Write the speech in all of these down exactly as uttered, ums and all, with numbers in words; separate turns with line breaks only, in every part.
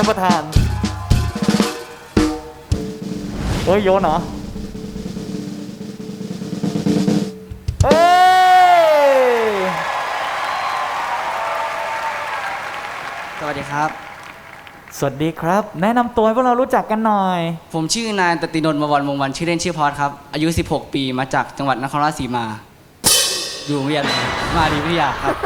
านประธานเฮ้ยโยนเหรอเฮ้ย
สวัสดีครับ
สวัสดีครับแนะนำตัวให้พวกเรารู้จักกันหน่อย
ผมชื่อนายตตินนท์ มวรวงศ์วันชื่อเล่นชื่อพอดครับอายุสิบหกปีมาจากจังหวัดนครราชสีมาอยู่โรงเรียนมาดีวิทยาครับ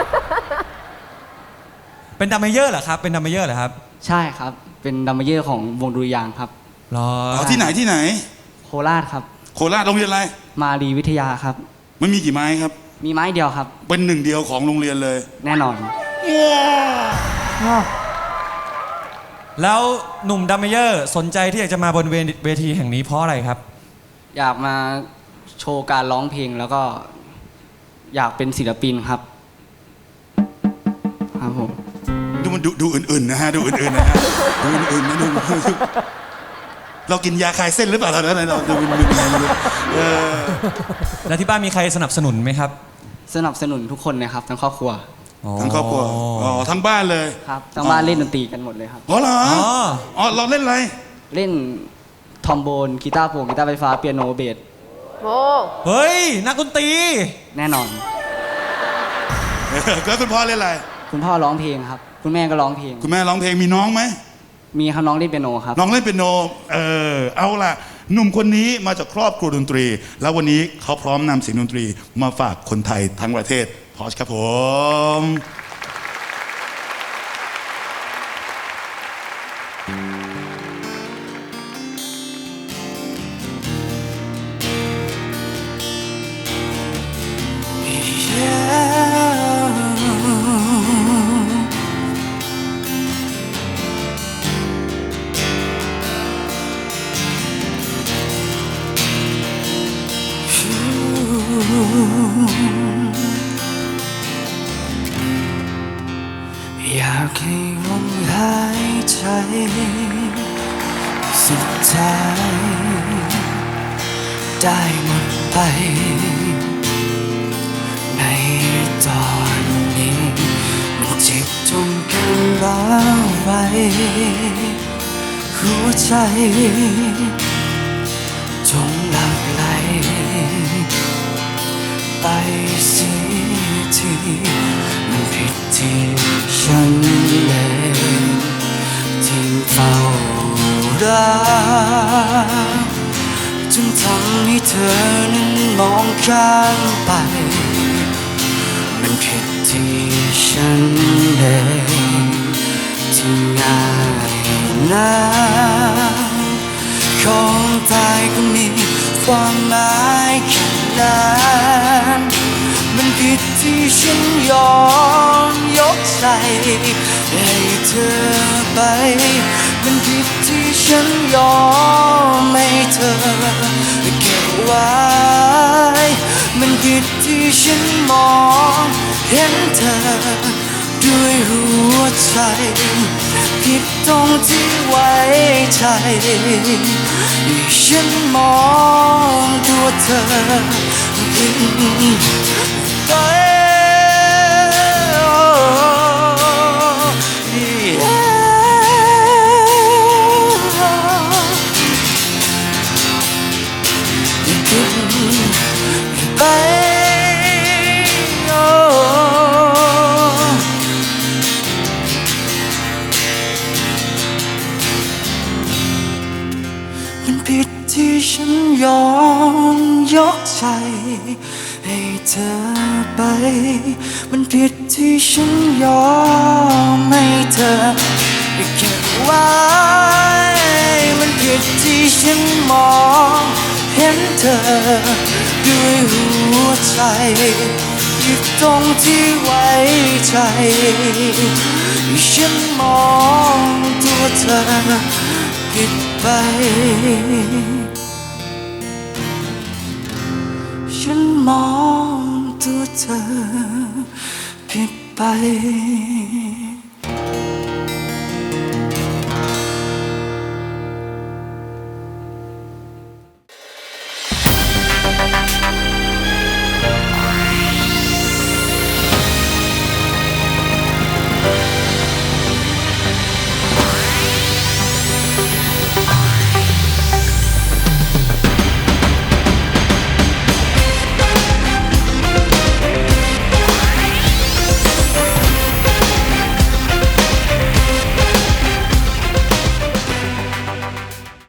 เป็นดัมเมเยอร์เหรอครับเป็นดัมเมเยอร์เหรอครับ
ใช่ครับเป็นดัมเมเยอร์ของวงดุริยางค์ครับ
รอ
เอาที่ไหนที่ไหน
โคราชครับ
โคราชโรงเรียนอะไร
มาดีวิทยาครับ
มันมีกี่ไม้ครับ
มีไม้เดียวครับ
เป็นหนึ่งเดียวของโรงเรียนเลย
แน่นอน
ว้าว
แล้วหนุ่มดัมเมเยอร์สนใจที่อยากจะมาบนเวทีแห่งนี้เพราะอะไรครับ
อยากมาโชว์การร้องเพลงแล้วก็อยากเป็นศิลปินครับครับผม
ดูมันดูดูอื่นๆนะฮะดูอื่นๆนะฮะดูอื่นๆนะดูเรากินยาคลายเส้นหรือเปล่าเราเราดูมึนๆเออ
แล้วที่บ้านมีใครสนับสนุนไหมครับ
สนับสนุนทุกคนนะครับทั้งครอบครัว
ทั้งครอบครัวอ๋อทั้งบ้านเลย
ครับทั้งบ้านเล่นดนตรีกันหมดเลยครับ
อ๋อเหรออ๋อเราเล่นอะไร
เล่นทอมโบนกีตาร์โปร่งกีตาร์ไฟฟ้าเปียโนเบส
โอ้
เฮ้ยนักดนตรี
แน่นอน
แล้วคุณพ่อเล่นอะไร
คุณพ่อร้องเพลงครับคุณแม่ก็ร้องเพลง
คุณแม่ร้องเพลงมีน้องไหม
มีครับน้องเล่นเปียโนครับ
น้องเล่นเปียโนเออเอาล่ะหนุ่มคนนี้มาจากครอบครัวดนตรีแล้ววันนี้เขาพร้อมนำเสียงดนตรีมาฝากคนไทยทั้งประเทศพอชครับผม
อยากให้ลมหายใจสุดท้ายได้หมดไปในตอนนี้มันเจ็บจนกันร้าวไว้หัวใจจงหลับไหลไปเสียทีมันผิดที่ฉันเองที่เฝ้ารักจนทำให้เธอนั้นมองข้ามไปมันผิดที่ฉันเองที่ง่ายนักของตายก็มีความหมายแค่นั้นมันผิดที่ฉันยอมยกใจให้เธอไปมันผิดที่ฉันยอมให้เธอเก็บไว้มันผิดที่ฉันมองเห็นเธอด้วยหัวใจผิดตรงที่ไว้ใจที่ฉันมองตัวเธอผิดไปไปมันผิดที่ฉันยอมยกใจให้เธอไปมันผิดที่ฉันยอมให้เธอเก็บไว้มันผิดที่ฉันมองเห็นเธอด้วยหัวใจผิดตรงที่ไว้ใจฉันมองตัวเธอผิดไปฉันมองตัวเธอผิดไป